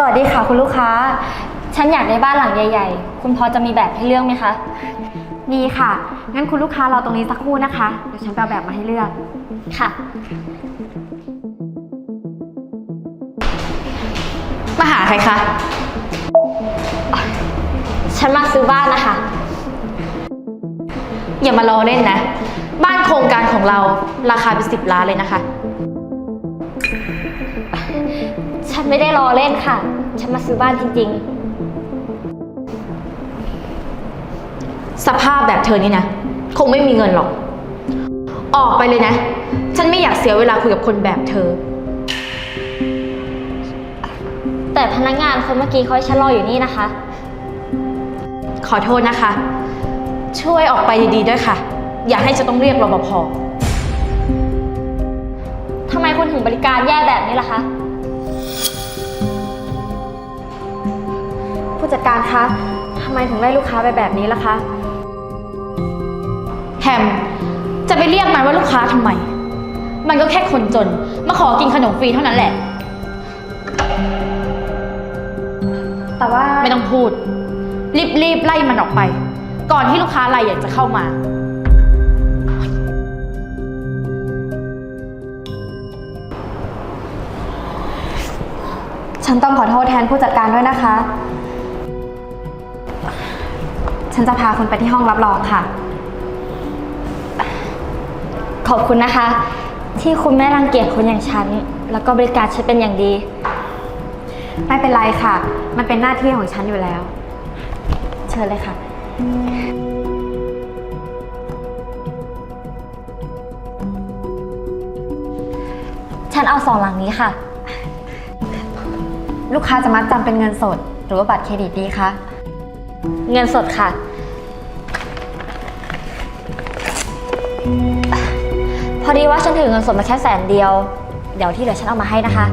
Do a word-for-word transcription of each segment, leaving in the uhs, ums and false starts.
วัสดีค่ะคุณลูกค้าฉันอยากได้บ้านหลังใหญ่ๆคุณพอจะมีแบบให้เลือกไหมคะมีค่ะงั้นคุณลูกค้ารอตรงนี้สักครู่นะคะเดี๋ยวฉันไปเอาแบบมาให้เลือกค่ะมาหาใครคะฉันมาซื้อบ้านนะคะอย่ามาล้อเล่นนะบ้านโครงการของเราราคาเป็นสิบล้านเลยนะคะฉันไม่ได้ล้อเล่นค่ะฉันมาซื้อบ้านจริงๆสภาพแบบเธอนี่นะคงไม่มีเงินหรอกออกไปเลยนะฉันไม่อยากเสียเวลาคุยกับคนแบบเธอแต่พนักงานคนเมื่อกี้เขาให้ฉันรออยู่นี่นะคะขอโทษนะคะช่วยออกไปดีๆด้วยค่ะอย่าให้ฉันต้องเรียกรปภ. ทำไมคุณถึงบริการแย่แบบนี้ล่ะคะผู้จัดการคะทำไมถึงไล่ลูกค้าไปแบบนี้ล่ะคะแฮมจะไปเรียกมันว่าลูกค้าทำไมมันก็แค่คนจนมาขอกินขนมฟรีเท่านั้นแหละแต่ว่าไม่ต้องพูดรีบๆไล่มันออกไปก่อนที่ลูกค้ารายใหญ่จะเข้ามาฉันต้องขอโทษแทนผู้จัดการด้วยนะคะฉันจะพาคุณไปที่ห้องรับรองค่ะขอบคุณนะคะที่คุณไม่รังเกียจคนอย่างฉันแล้วก็บริการฉันเป็นอย่างดีไม่เป็นไรค่ะมันเป็นหน้าที่ของฉันอยู่แล้วเชิญเลยค่ะฉันเอาสองหลังนี้ค่ะลูกค้าจะมัดจำเป็นเงินสดหรือว่าบัตรเครดิตดีคะเงินสดค่ะพอดีว่าฉันถือเงินสดมาแค่แสนเดียวเดี๋ยวที่เหลือฉันเอามาให้นะคะ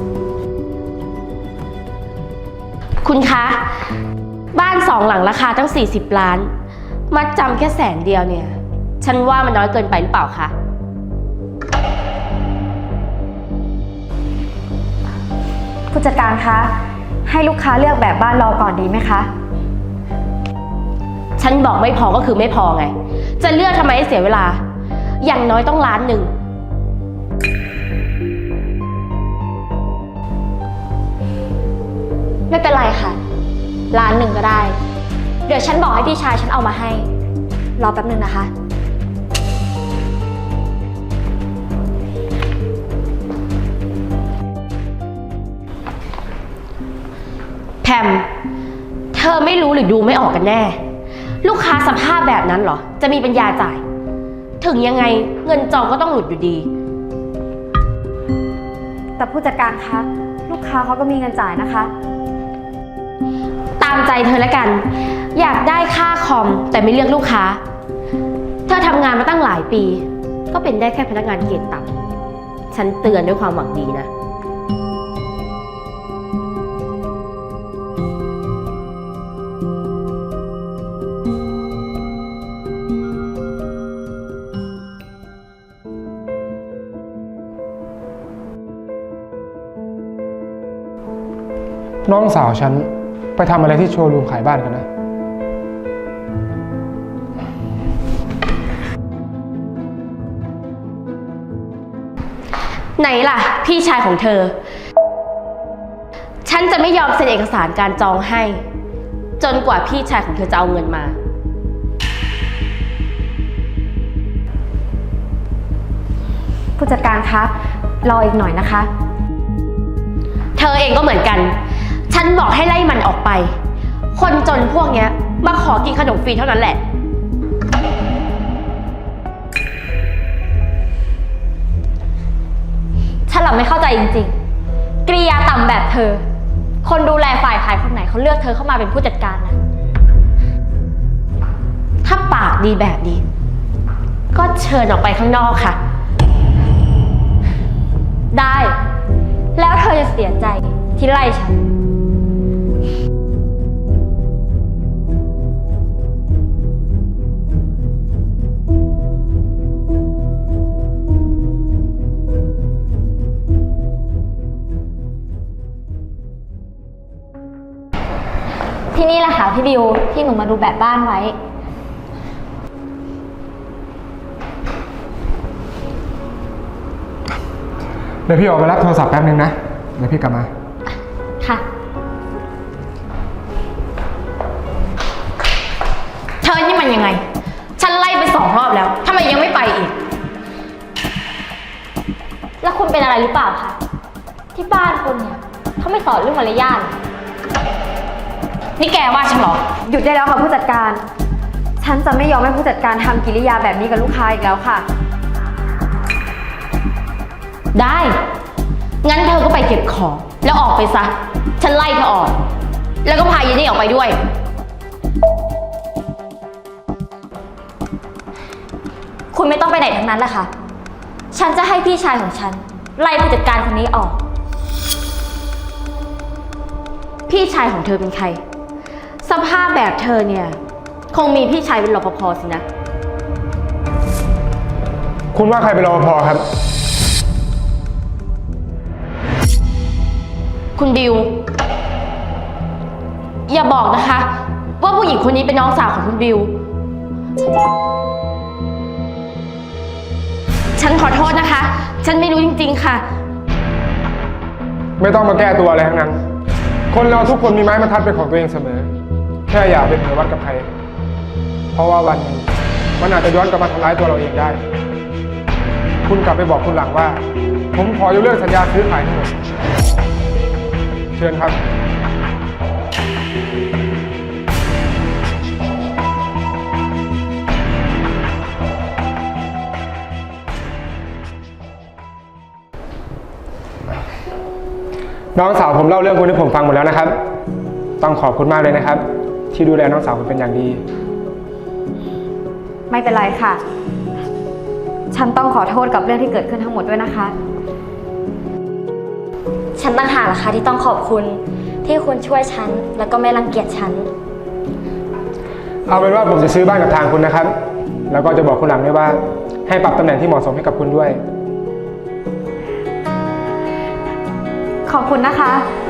คุณคะบ้านสองหลังราคาตั้งสี่สิบล้านมัดจำแค่แสนเดียวเนี่ยฉันว่ามันน้อยเกินไปหรือเปล่าคะผู้จัดการคะให้ลูกค้าเลือกแบบบ้านรอก่อนดีไหมคะฉันบอกไม่พอก็คือไม่พอไงจะเลือกทำไมให้เสียเวลาอย่างน้อยต้องล้านหนึ่งไม่เป็นไรค่ะล้านหนึ่งก็ได้เดี๋ยวฉันบอกให้พี่ชายฉันเอามาให้รอแป๊บนึงนะคะแพมเธอไม่รู้หรือดูไม่ออกกันแน่ลูกค้าสภาพแบบนั้นเหรอจะมีปัญญาจ่ายถึงยังไงเงินจองก็ต้องหลุดอยู่ดีแต่ผู้จัดการคะลูกค้าเขาก็มีเงินจ่ายนะคะตามใจเธอแล้วกันอยากได้ค่าคอมแต่ไม่เลือกลูกค้าเธอทำงานมาตั้งหลายปีก็เป็นได้แค่พนักงานเกรดต่ำฉันเตือนด้วยความหวังดีนะน้องสาวฉันไปทำอะไรที่โชว์รูมขายบ้านกันนะไหนล่ะพี่ชายของเธอฉันจะไม่ยอมเซ็นเอกสารการจองให้จนกว่าพี่ชายของเธอจะเอาเงินมาผู้จัดการคะรออีกหน่อยนะคะเธอเองก็เหมือนกันฉันบอกให้ไล่มันออกไปคนจนพวกเนี้ยมาขอกินขนมฟรีเท่านั้นแหละฉันหลับไม่เข้าใจจริงๆกริยาต่ำแบบเธอคนดูแลฝ่ายขายคนไหนเขาเลือกเธอเข้ามาเป็นผู้จัดการนะถ้าปากดีแบบนี้ก็เชิญออกไปข้างนอกค่ะได้แล้วเธอจะเสียใจที่ไล่ฉันที่นี่แหละค่ะพี่บิวที่หนูมาดูแบบบ้านไว้เดี๋ยวพี่ออกไปรับโทรศัพท์แป๊บนึงนะ เดี๋ยวพี่กลับมาค่ะเธอนี่มันยังไง ฉันไล่ไปสองรอบแล้วทำไมยังไม่ไปอีกแล้วคุณเป็นอะไรหรือเปล่าคะที่บ้านคุณเนี่ยเขาไม่สอนเรื่องมารยาทนี่แกว่าฉันเหรอหยุดได้แล้วค่ะผู้จัดการ ฉันจะไม่ยอมให้ผู้จัดการทำกิริยาแบบนี้กับลูกค้าอีกแล้วค่ะได้ งั้นเธอก็ไปเก็บของแล้วออกไปซะ ฉันไล่เธอออก แล้วก็พายายนี่ออกไปด้วยคุณไม่ต้องไปไหนทั้งนั้นแหละค่ะ ฉันจะให้พี่ชายของฉัน ไล่ผู้จัดการคนนี้ออกพี่ชายของเธอเป็นใคร สภาพแบบเธอเนี่ย คงมีพี่ชายเป็นรปภสินะคุณว่าใครเป็นรปภครับคุณบิว อย่าบอกนะคะ ว่าผู้หญิงคนนี้เป็นน้องสาวของคุณบิว ฉันขอโทษนะคะ ฉันไม่รู้จริงๆค่ะไม่ต้องมาแก้ตัวอะไรทั้งนั้น คนเราทุกคนมีไม้บรรทัดเป็นของตัวเองเสมอ แค่อย่าเป็นเหมือนวัดกับใคร เพราะว่าวันหนึงมันอาจจะย้อนกลับมาทำร้ายตัวเราเองได้ คุณกลับไปบอกคุณหลังว่า ผมขอยกเลิกสัญญาซื้อขายทั้งหมด เชิญครับ น้องสาวผมเล่าเรื่องคุณให้ผมฟังหมดแล้วนะครับ ต้องขอบคุณมากเลยนะครับ ที่ดูแลน้องสาวผมเป็นอย่างดีไม่เป็นไรค่ะ ฉันต้องขอโทษกับเรื่องที่เกิดขึ้นทั้งหมดด้วยนะคะฉันต่างหากล่ะค่ะที่ต้องขอบคุณที่คุณช่วยฉันแล้วก็ไม่รังเกียจฉันเอาเป็นว่าผมจะซื้อบ้านกับทางคุณนะครับ แล้วก็จะบอกคุณหลังด้วยว่า ให้ปรับตำแหน่งที่เหมาะสมให้กับคุณด้วยขอบคุณนะคะ